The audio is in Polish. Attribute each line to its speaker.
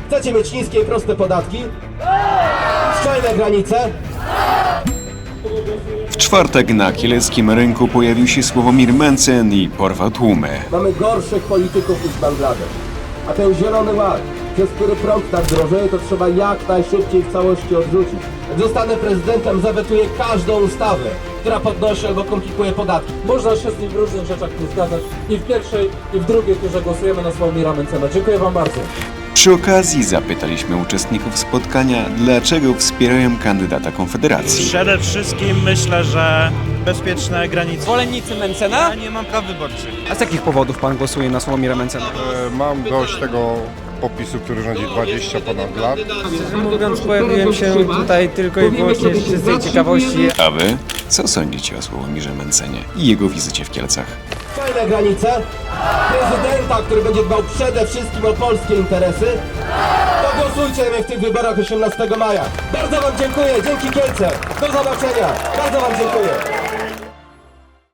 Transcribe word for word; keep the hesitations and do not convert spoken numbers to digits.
Speaker 1: Chcecie mieć niskie i proste podatki? Szczelne granice?
Speaker 2: W czwartek na kieleckim rynku pojawił się Sławomir Mencen i porwał tłumy.
Speaker 1: Mamy gorszych polityków niż Bangladesz. A ten zielony ład, przez który prąd tak drożeje, to trzeba jak najszybciej w całości odrzucić. Jak zostanę prezydentem, zawetuję każdą ustawę, która podnosi albo komplikuje podatki.
Speaker 3: Można się z nim w różnych rzeczach nie zgadzać. I w pierwszej, i w drugiej turze głosujemy na Sławomira Mencena. Dziękuję wam bardzo.
Speaker 2: Przy okazji zapytaliśmy uczestników spotkania, dlaczego wspierają kandydata Konfederacji.
Speaker 4: Przede wszystkim myślę, że bezpieczne granice.
Speaker 5: Zwolennicy Mencena?
Speaker 4: Ja nie mam praw wyborczych.
Speaker 5: A z jakich powodów pan głosuje na Sławomira Mencena?
Speaker 6: E, Mam dość tego popisu, który rządzi dwadzieścia ponad lat.
Speaker 7: Szczerze mówiąc, pojawiłem się tutaj tylko i wyłącznie z czystej ciekawości.
Speaker 2: A wy? Co sądzicie o Sławomirze Mencenie i jego wizycie w Kielcach?
Speaker 1: Szczelne granice? Prezydenta, który będzie dbał przede wszystkim o polskie interesy? To głosujcie mnie w tych wyborach osiemnastego maja. Bardzo wam dziękuję, dzięki Kielce. Do zobaczenia. Bardzo wam dziękuję.